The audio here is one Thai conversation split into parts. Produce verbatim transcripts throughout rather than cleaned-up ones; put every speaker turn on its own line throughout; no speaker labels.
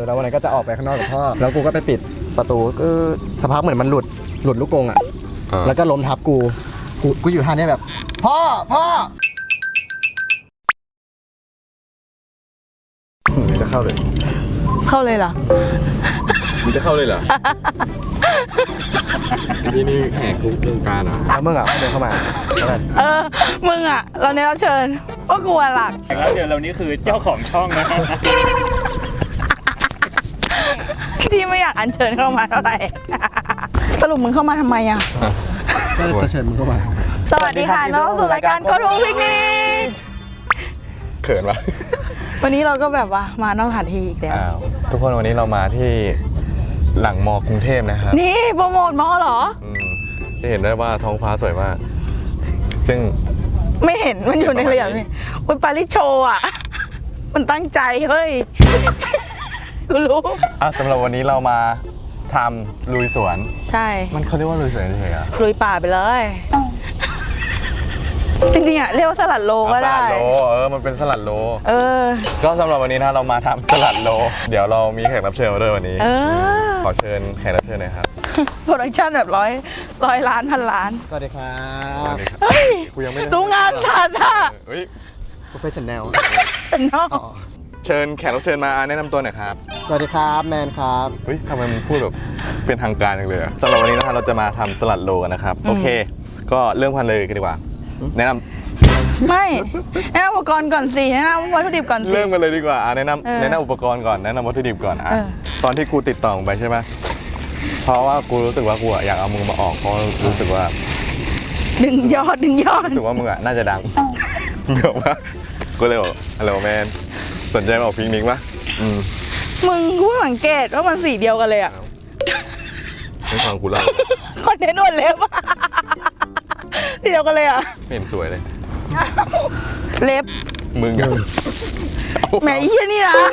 อแล้ววันนั้นก็จะออกไปข้างนอกกับพ่อแล้วกูก็ไปปิดประตูก็สักพักเหมือนมันหลุดหลุดลูกกรงอ่ะแล้วก็ล้มทับกูกูกูอยู่ท่านี้แบบพ่อพ่อมึงจะเข้าเลย
เข้าเลยเหรอ
มึงจะเข้าเลยเหรอที่นี่แหกคุกวงการอ่ะ
แล้วมึงอ่ะเดินเข้ามา
เออมึงอ่ะเราเนี่ยเราเชิญว่ากลัวหลัก
แขกรับเชิญเรานี่คือเจ้าของช่องนะ
ที่ไม่อยากอัญเชิญเข้ามาเท่าไหร่สรุปมึงเข้ามาทำไมอ่ะ
ก็จะเชิญมึงเข้ามา
สวัสดีค่ะน้องสู่รายการโกทูพิกนิก
เขินวะ
วันนี้เราก็แบบว่ามานอกสถานที่อีกแล้ว
ทุกคนวันนี้เรามาที่หลังมอกรุงเทพนะครับ
นี่โปรโมทมอเหรอ
จะเห็นได้ว่าท้องฟ้าสวยมากซึ่ง
ไม่เห็นมันอยู่ในเรื่องนี่มันปาริโชอ่ะมันตั้งใจเฮ้ยกูรู้
อ่ะสำหรับวันนี้เรามาทำลุยสวน
ใช่
มันเขาเรียกว่าลุยสวนเฉยๆอ่ะ
ลุยป่าไปเลยจริงๆอ่ะเรียกว่าสลัดโลก็ได้
สลัดโลเออมันเป็นสลัดโล
เออ
ก็สำหรับวันนี้นะเรามาทำสลัดโลเดี๋ยวเรามีแขกรับเชิญมาด้วยวันนี้
เออ
ขอเชิญแขกรับเชิญหน่อยครับ
โปรดักชั่นแบบร้อยร้อยล้านพันล้าน
สวัสดีครับ
เฮ้ย
กูยังไม่
รู้งานฉันอ่ะ
เฮ้ย
professional
ฉันนอก
เชิญแขกรับเชิญมาแนะนำตัวหน่อยครับ
สวัสดีครับแมนครับ
เฮ้ยทำไมมึงพูดแบบเป็นทางการจังเลยสำหรับวันนี้นะครับเราจะมาทำสลัดโลกันนะครับโอเคก็เริ่มกันเลยกันดีกว่าแนะนำ
ไม่แนะนำอุปกรณ์ก่อนสิแนะนำวัตถุดิบก่อนสิ
เริ่มกันเลยดีกว่าแนะนำแนะนำอุปกรณ์ก่อนแนะนำวัตถุดิบก่อนอ่ะตอนที่กูติดต่อไปใช่ไหมเพราะว่ากูรู้สึกว่ากูอยากเอามึงมาออกเพราะรู้สึกว่า
ดึงยอดดึงยอด
รู้สึกว่ามึงอ่ะน่าจะดังเดี๋ยวว่ากูเลยบอกฮัลโหลแมนสนใจมาออกพิกนิกปะ
มึงกูสังเกตว่ามันสีเดียวกันเลยอ่ะ
ไม่ฟังกูเล่า
คอนเทนต์นวดเล็บสีเดียวกันเลยอ่ะ
ไม่เห็นสวยเลย
เล็บ
มึง
แหมอีนี่นะ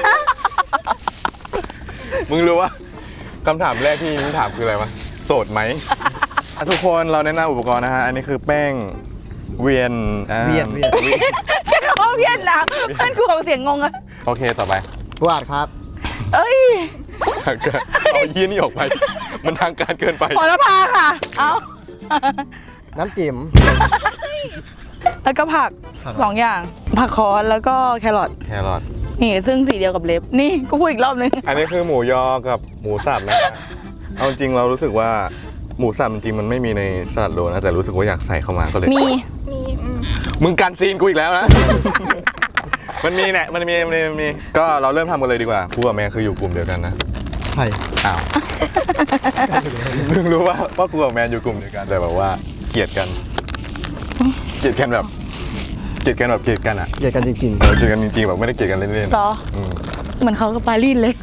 มึงรู้ว่าคำถามแรกที่มึงถามคืออะไรวะโสดไหมทุกคนเราแนะนำอุปกรณ์นะฮะอันนี้คือแป้งเวียน
เวียนเวียน
แค่เขาเวียนนะเพื่อนกูเอาเสียงงงอะ
โอเคต่อไป
วาดครับ
เอ้ย
เอายี่นี่ออกไปมันทางการเกินไป
พอละพาค่ะเอา
น้ำจิ้ม
แล้วก็ผักสองอย่างผักคอนแล้วก็แครอท
แครอท
นี่ซึ่งสีเดียวกับเล็บนี่กูพูดอีกรอบนึง
อันนี้คือหมูยอกับหมูสับนะเอาจริงเรารู้สึกว่าหมูสับจริงมันไม่มีในสลัดโลนะแต่รู้สึกว่าอยากใส่เข้ามาก็เลย
มี
มีมึงการซีนกูอีกแล้วนะมันมีแหละมันมีมันมีก็เราเริ่มทำกันเลยดีกว่ากูกับแม่คืออยู่กลุ่มเดียวกันนะ
ใช่
อ้าวมึงรู้ว่าว่ากูกับแม่อยู่กลุ่มเดียวกันแต่แบบว่าเกลียดกันเกลียดกันแบบเกลียดกันแบบเกลียดกันอ่ะ
เกลียดกันจริงๆ
เกลียดกันจริงๆแบบไม่ได้เกลียดกันเล่นๆ
หรอเหมือนเขากับปารีสเลย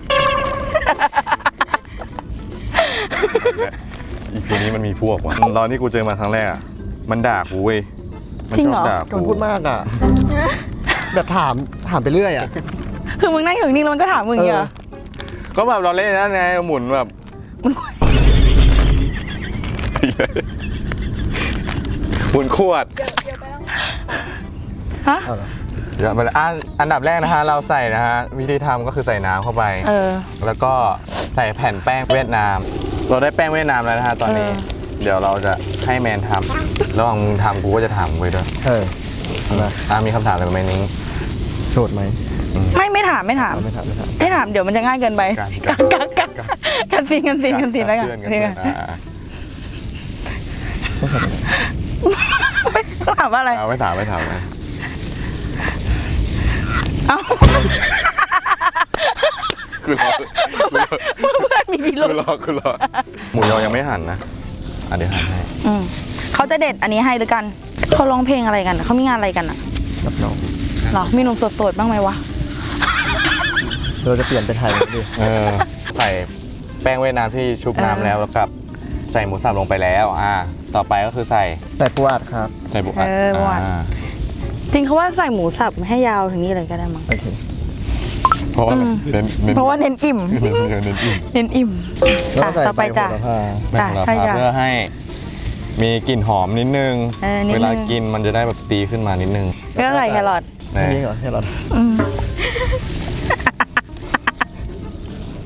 อีพีนี้มันมีพวกว่ะตอนที่กูเจอมาครั้งแรกอ่ะมันด่ากูเว้ย
มันชอบ
ด่า
กูพูดมากอ่ะแบบถามถามไปเรื่อยอ่ะ
คือมึงนั่งอยู่นิ่งแล้วมันก็ถามมึงเหรอ
ก็แบบเราเล่นนั่นไงหมุนแบบหมุนขวด
ฮะ
เดี๋ยวอันดับแรกนะฮะเราใส่นะฮะวิธีทำก็คือใส่น้ำเข้าไปแล้วก็ใส่แผ่นแป้งเวียดนามเราได้แป้งเวียดนามแล้วนะฮะตอนนี้เดี๋ยวเราจะให้แมนทำระหว่างมึงทำกูก็จะถามไปด้วย
เออ
อ่ามีคำถามอะไรไหมนิ้ง
โสดไหม
ไม่ไม่ถามไม่ถาม
ไม่ถามไม่ถาม
ไม่ถามเดี๋ยวมันจะง่ายเกินไปกันกันกันกันซีนกันซีนกันซีนแล้วกันไม่ถามว่าอะไร
ไม่ถามไม่ถามนะ
เอ้า
คือรอ
เพื่อนมีพิรุธ
คือรอคือรอหมูยอยังไม่หั่นนะอ่ะเดี๋ยวหั่นให้
เขาจะเด็ดอันนี้ให้หรือกันเขาร้องเพลงอะไรกันเขามีงานอะไรกันอ่ะ
รับน้อง
หรอมีหนุ่มโสดๆบ้างไหมวะ
เราจะเปลี่ยนเป็นไทยดิ
เออใส่แป้งเวียดนามที่ชุบน้ำแล้วแล้วกับใส่หมูสับลงไปแล้วอ่าต่อไปก็คือใส่
ใส่ปูอัดครับ
ใส่ปูอัด
จริงเขาว่าใส่หมูสับให้ยาวถึงนี้เลยก็ได้มั้ง
โอเค
เพราะว่า
เพราะว่าเน้นอิ่มเน้นอิ่มเน้นอิ่มต่อไปจ้ะ
แป้งโหระพาเพื่อให้มีกลิ่นหอมนิดนึงเวลากินมันจะได้แบบตีขึ้นมานิดนึง
ก็ใส่แครอท
นี่เหรอแครอท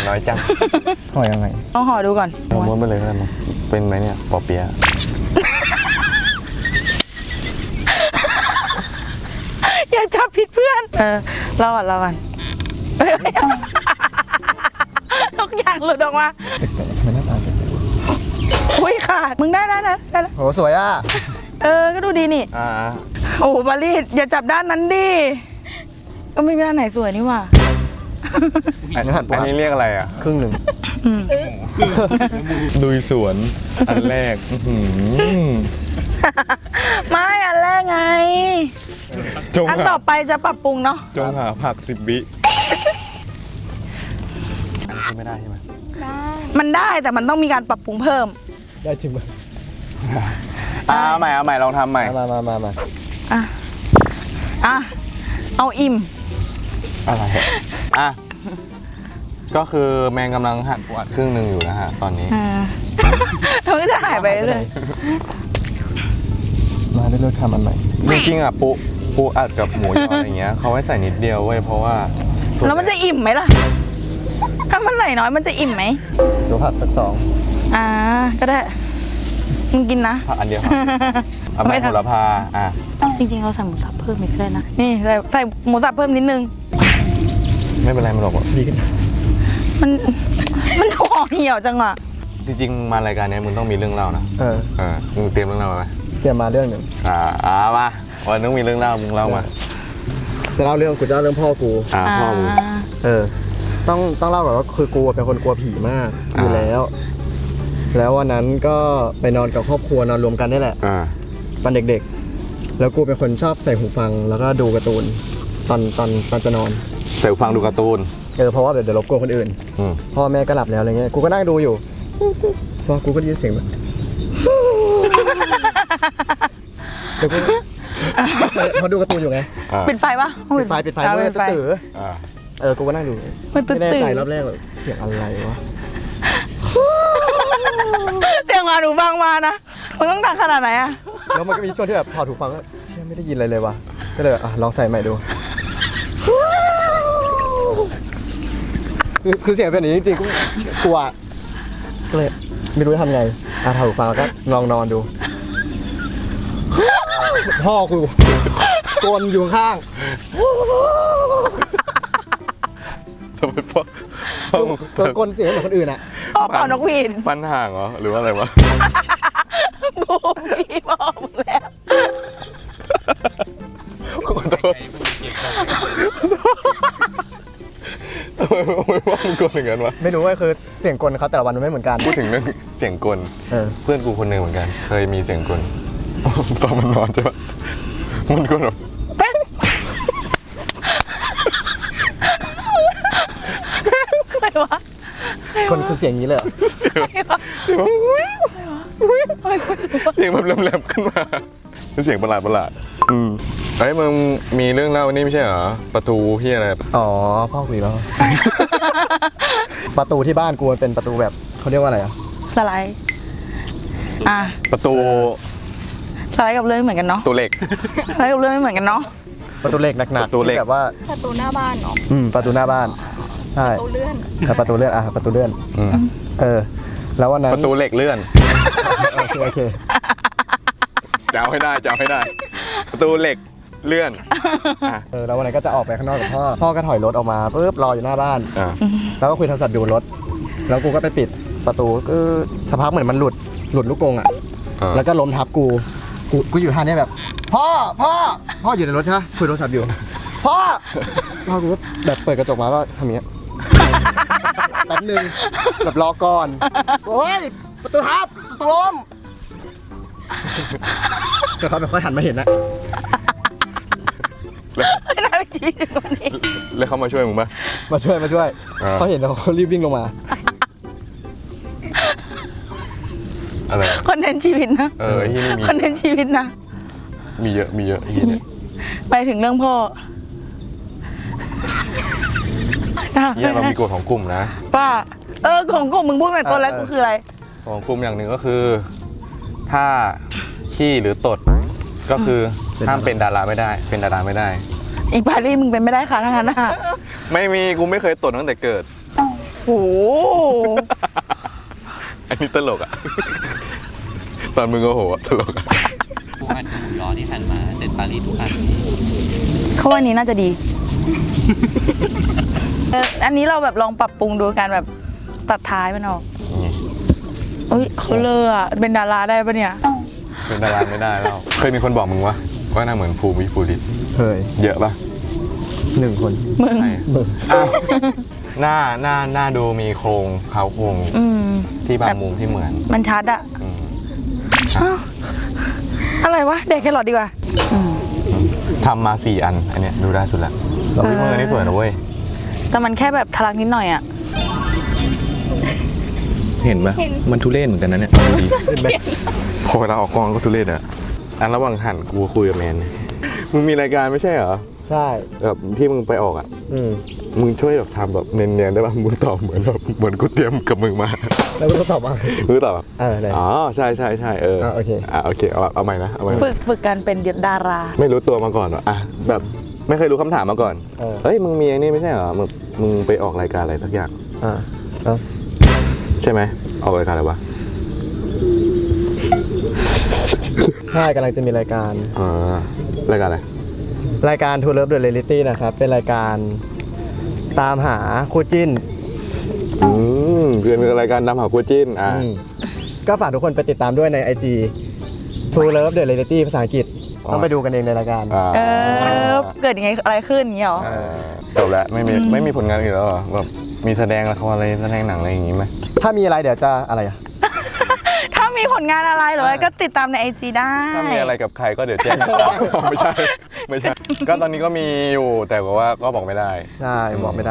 น้อยจัง
ห่อยังไง
ต้องห่อดูก่อน
เอาม้วนไปเลยก็ได้มั้งเป็นไหมเนี่ยปอเปี๊ยะ
อย่าจับผิดเพื่อน เออเราก่อนเราก่อนเอ้ยทุกอย่างหลุดออกมา
ทำไมหน้าตาเป็น
อุ้ยขาด มึงได้ได้ได้ได้แล้ว
โหสวยอ่ะ
เออ ก็ดูดีนี่
อ่า
โอ้โหปารีสอย่าจับด้านนั้นดิ ก็ไม่มีด้านไหนสวยนี่หว่า
อันนี้อันนี้เรียกอะไรอ่ะ
ครึ่งหนึ่ง
ลุยสวนอันแรกอื้อหือ
ไม่อันแรกไง
จง
อัน
หา
ต่อไปจะปรับปรุงเนาะ
จงหาผักสิบวิอันนี้ไม่ได้ใช่ไหม
มันได้แต่มันต้องมีการปรับปรุงเพิ่ม
ได้จริงไหม
อ่าเอาใหม่เอาใหม่ลองทำใหม่
มามามามา
อ่ะ อ่ะ เอาอิ่ม
อะไรอ่ะก็คือแมงกำลังหั่นปูอัดครึ่งหนึ่งอยู่นะฮะตอนนี้
อ่ามันก็จะหายไปเลย
มาได้เลือกทำอันใหม่
จริงๆอ่ะปูปูอัดกับหมูยออะไรเงี้ยเขาให้ใส่นิดเดียวเว้ยเพราะว่าส่ว
แล้วมันจะอิ่มไหมล่ะ ถ้ามันไหลน้อยมันจะอิ่มไหม
เดี๋ยวผัดสักสอง
อ่า ก็ได้ มึงกินนะ
ผักอันเดียวครับเอาไป
ไม่
โห
ทำ
ระพาอ่ะ
จริงๆเราใส่หมูสับเพิ่มอีกก็ได้นะ นี่ใส่ใส่หมูสับเพิ่มนิดนึง
ไม่เป็นไรมันหรอก
ดีขึ้น
มัน มันห่อเหี่ยวจังอ่ะ
จริงๆมารายการเนี้ยมึงต้องมีเรื่องเล่านะ
เออ
เออมึงเตรียมเรื่องเล่ามาไหม
เตรียมมาเรื่องหนึ่ง
อ่าอ่ามาวันนึงมีเรื่องเล่ามึงเล่ามา
จะเล่าเรื่องกูจะเล่าเรื่องพ่อกู
อ่าพ่อมึง
เออ ต้องต้องเล่าก่อนว่าคือกูเป็นคนกลัวผีมากอยู่
อ่า
แล้ว แล้ววันนั้นก็ไปนอนกับครอบครัวนอนรวมกันนี่แหละ
อ่า
ตอนเด็กๆ แล้วกูเป็นคนชอบใส่หูฟังแล้วก็ดูการ์ตูนตอนตอนตอนจะนอน
เสียงฟังดูการ์ตูน
เออเพราะว่าเดี๋ยวเดี๋ยวรบกวนคนอื่น
อืม
พ่อแม่ก็หลับแล้วอะไรเงี้ย กูก็นั่งดูอยู่ซอกูก็ได้ยินเสียงแบบเดี๋ยวกูเขาดูการ์ตูนอยู่ไง
อ่า
ปิดไฟปะ
ปิดไฟปิดไฟ
อ่า
เมื่อ
ปิดไฟ
ตื่น
อ่า
เออ กูก็นั่งดู
มันตื่น
ไม่แน่ใจ
ตื่น
รอบแรกแบบเสียงอะไรวะ
เสียงมาหนูฟังมานะ มึงต้องดังขนาดไหนอะ
แล้วมันก็มีช่วงที่แบบถอดหูฟังก็เชี่ยไม่ได้ยินอะไรเลยวะก็เลยแบบอ่ะลองใส่ใหม่ดู คือคือเสียงเป็นอย่างนี้จริงๆกูกลัวก็เลยไม่รู้จะทำไงอ่ะถอดหูฟังแล้วก็ลองนอนดู พ่อกูกลอยู่ข้าง
ทำไมพ่อพ่อมึง
ก็กลเสียงเหมือนคนอื่นอ่ะ
พ่อเป่านกหวีด
ฟันห่างเหรอหรือว่าอะไรวะ
บูพี่บอกมึงแล้ว
ขอโทษทำไมทำไมว่ามึงกลอย่างนั้นวะ
ไม่รู้ว่าคือเสียงกลเขาแต่ละวันมันไม่เหมือนกัน
พูดถึงเรื่องเสียงกล
เออ
เพื่อนกูคนหนึ่งเหมือนกัน เคยมีเสียงกล ตอนมันนอนใช่ปะมันกลแบบ
เป็นอะไรวะ
คนคือเสียงนี้เลยเหรอ
เสียงแบบแหลมๆขึ้นมาเป็นเสียงประหลาดประหลาดๆอืมไอ้ยมึงมีเรื่องเล่านี่ไม่ใช่เหรอประตูที่อะไร
อ๋อพ่อคุยแล้ว ประตูที่บ้านกูมันเป็นประตูแบบเขาเรียกว่าอะไรอ่ะ
สไลด์ อ่ะ
ประตู
สไลด์กับเลื่อนเหมือนกันเนาะ
ตัวเหล็ก
สไลด์กับเลื่อนไม่เหมือนกันเนาะ
ประตูเหล็กหนัก
ประตูเหล็ก
ที่แบบว่า
ประตูหน้าบ้านเนาะ
อืมประตูหน้าบ้านใช่
ประตูเลื่อน
แต่ประตูเลื่อนอ่ะประตูเลื่อน
อืม
เออ แล้ววันนั้น
ประตูเหล็กเลื่อน
โอเคโอเค
จะเอาให้ได้จะเอาให้ได้ ประตูเหล็กเลื่อนอ่ะ
เออแล้ววันนั้นก็จะออกไปข้างนอกกับพ่อพ่อก็ถอยรถออกมาปุ๊บรออยู่หน้าบ้าน
อ่ะ
แล้วก็คุยโทรศัพท์ดูรถ แล้วกูก็ไปปิดประตูก็สักพักเหมือนมันหลุดหลุดลูกกรงอ่ะ
อ่ะ
แล้วก็ล้มทับกู กูกูอยู่ท่าเนี้ยแบบ พ่อพ่อพ่ออยู่ในรถใช่ไหมคุยโทรศัพท์อยู่ พ่อพ่อกูก็แบบเปิดกระจกมาก็ทำอย่างเงี้ยแป๊บนึงแบบรอก่อนโอ้ยประตูทับประตูล้มแต่เขาแบบค่อยหันมาเห็นนะ
ไม่น่าไปชี้ถึงวันนี้
แล้วเขามาช่วยมึงปะ
มาช่วยมาช่วย
อ่า
เขาเห็นแล้วเขารีบวิ่งลงมา
อะไร
คอนเทนต์ชีวิตนะ
เออไอ้ที่นี่มี
คอนเทนต์ชีวิตนะ
มีเยอะมีเยอะไอ้ที่เนี่ย
ไปถึงเรื่องพ่อ
เนี่ยเรามีกฎของกลุ่มนะ
ป้า เออของกูมึงพูดไปตัวแรกกูคืออะไร
ของกลุ่มอย่างหนึ่งก็คือ ถ้าขี้หรือตดก็คือห้ามเป็นดาราไม่ได้ เป็นดาราไม่ได้
อีปารีมึงเป็นไม่ได้ค่ะทั้งนั้นนะ
ไม่มีกูไม่เคยตดตั้งแต่เกิด
โอ้โห
อันนี้ตลกอ่ะ ตอนมึงโอ้โหตลกอ่ะ
ปูอัดกับหมูยอที่หั่นมาเด็ดปารีสทุกอัน
เขาว่าอันนี้น่าจะดี เอออันนี้เราแบบลองปรับปรุงดูการแบบตัดท้ายมันออก
นี่
เอ้ยเขาเลอะอะเป็นดาราได้ปะเนี่ย
เป็นดาราไม่ได้แล้ว เคยมีคนบอกมึงวะว่าหน้าเหมือนภูมิภูริศ
เคย
เยอะปะ
หนึ่งคน
มึง
ใช่อ้าวหน้าหน้าหน้าดูมีโครงเขาโครง
อืม
ที่บางมุมที่เหมือน
มันชัดอะ
อืม
อ้าวอะไรวะเด็กแครอทดีกว่าอืม
ทำมาสี่อัน อันเนี้ยดูได้สุดละเราพี่มือนี่สวยนะเว้ย
แต่มันแค่แบบทะลักนิดหน่อยอะ
เห็นปะมันทุเรศเหมือนกันนะเนี่ยดูดีพอเวลาออกกองก็ทุเรศอะอันระหว่างหันกูคุยกับแมน มึงมีรายการไม่ใช่เหรอ
ใช่
แบบที่มึงไปออกอ่ะ
อืม
มึงช่วยแบบทำแบบเนียนๆได้ป่ะมึงตอบเหมือนแบบเหมือนกูเตรียมกับมึงมา
แล้วก็ตอบว่า
มึงตอบแบบ
เออไหน
อ๋อใช่ใช่ใช่เออ
อ่ะโอเค
อ่ะโอเคเอาเอาใหม่นะเอาใหม่นะ
ฝึกฝึกการเป็นดารา
ไม่รู้ตัวมาก่อนเหรออ่ะแบบไม่เคยรู้คำถามมาก่อน
เออ
เฮ้ยมึงมีไอ้นี่ไม่ใช่เหรอมึงมึงไปออกรายการอะไรสักอย่าง
อ่าแล้ว
ใช่ไหมออกรายการอะไรวะ
ใช่กำลังจะมีรายการ
อ่ารายการอะไร
รายการ To Love the Reality นะครับ เป็นรายการตามหาคู่จิ้น
อืมเป็นรายการนำหาคู่จิ้นอ่ะ
อืมก็ฝากทุกคนไปติดตามด้วยใน ไอ จี To Love the Reality ภาษาอังกฤษ ต้องไปดูกันเองในรายการ
อ่า
เออ เกิดยังไงอะไรขึ้นอย่างเงี้ยหรอ
เออจบแล้วไม่มีไม่มีผลงานอื่นแล้วเหรอแบบมีแสดงละครอะไรแสดงหนังอะไรอย่างงี้ไหม
ถ้ามีอะไรเดี๋ยวจะอะไรอ่ะ
ถ้ามีผลงานอะไรเหรอก็ติดตามในไอจีได้
ถ้ามีอะไรกับใครก็เดี๋ยวแจ้ง ไม่ใช่ไม่ใช่ ก็ตอนนี้ก็มีอยู่แต่ว่าก็บอกไม่ได้
ใช่ บอกไม่ได้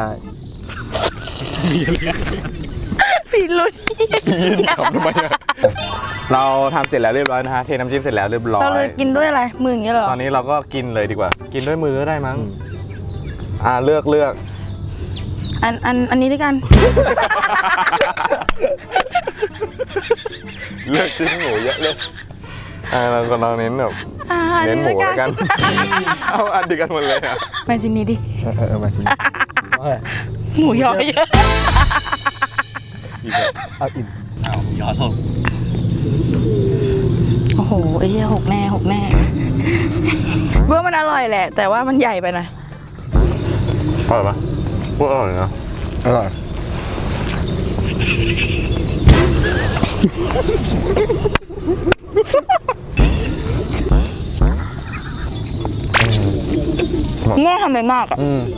ฟีลุย
ทำทำไมอะเราทำเสร็จแล้วเรียบร้อยนะฮะเทน้ำจิ้มเสร็จแล้วเรียบร้อย
เราเลยกินด้วยอะไรมืออย่างเงี้ยเหรอ
ตอนนี้เราก็กินเลยดีกว่า กินด้วยมือก็ได้มั้งอ่าเลือกเลือก
อันอันอันนี้ด้วยกัน
เลือกชิ้นหมูเยอะเลยอ่าเราก็เราเน้นแบบ
อ่าอั
เน้นหมู
ด้วย
แล้วกัน เอาอันเดียวกันหมดเลยอ่ะ
มาชิ้นนี้ดิ
เออเออเออมาชิมเอาเลย
หมูยอเยอะ
เอาอิ่ม
เอาหมูยอลง
โอ้โหไอ้เหี้ยหกแน่หกแน่ว่ามันอร่อยแหละ แต่ว่ามันใหญ่ไปหน่อย
อร่อยปะพวกอร่อยนะ
อร่อย
ง่วงทำอะไรมากอะ
อืม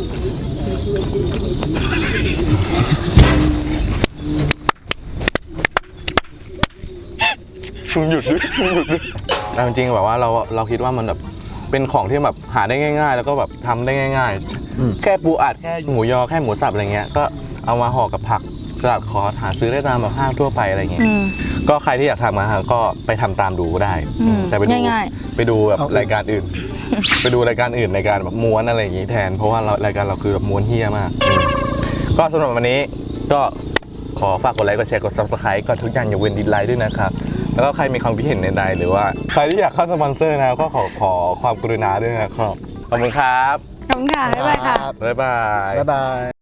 มึงหยุดดิมึงหยุดดิแต่จริงๆแบบว่าเราเราคิดว่ามันแบบเป็นของที่แบบหาได้ง่าย ๆ แล้วก็แบบทำได้ง่าย
อืม
ๆ แค่ปูอัดแค่หมูยอแค่หมูสับอะไรเงี้ยก็เอามาห่อกับผักสลัดคอร์สหาซื้อได้ตามแบบห้างทั่วไปอะไรเงี้ย
อืม
ก็ใครที่อยากทำนะฮะก็ไปทำตามดูก็ได้
อืม
แต่ไปดู
ง่าย
ไปดูแบบรายการอื่น ไปดูรายการอื่นรายการแบบม้วนอะไรอย่างงี้แทน เพราะว่าเรารายการเราคือแบบม้วนเฮี้ยมากอืมก็สำหรับวันนี้ก็ขอฝากกดไลค์กดแชร์กด ซับสไครบ์ กดทุกอย่างอย่าเว้นดิสไลค์ด้วยนะครับแล้วก็ใครมีความคิดเห็นใดๆหรือว่าใครที่อยากเข้าสปอนเซอร์นะก็ขอขอความกรุณาด้วยนะครับขอบคุณครับ
ขอบคุณค่ะบ๊ายบายค่ะ
บ๊ายบาย
บ๊ายบาย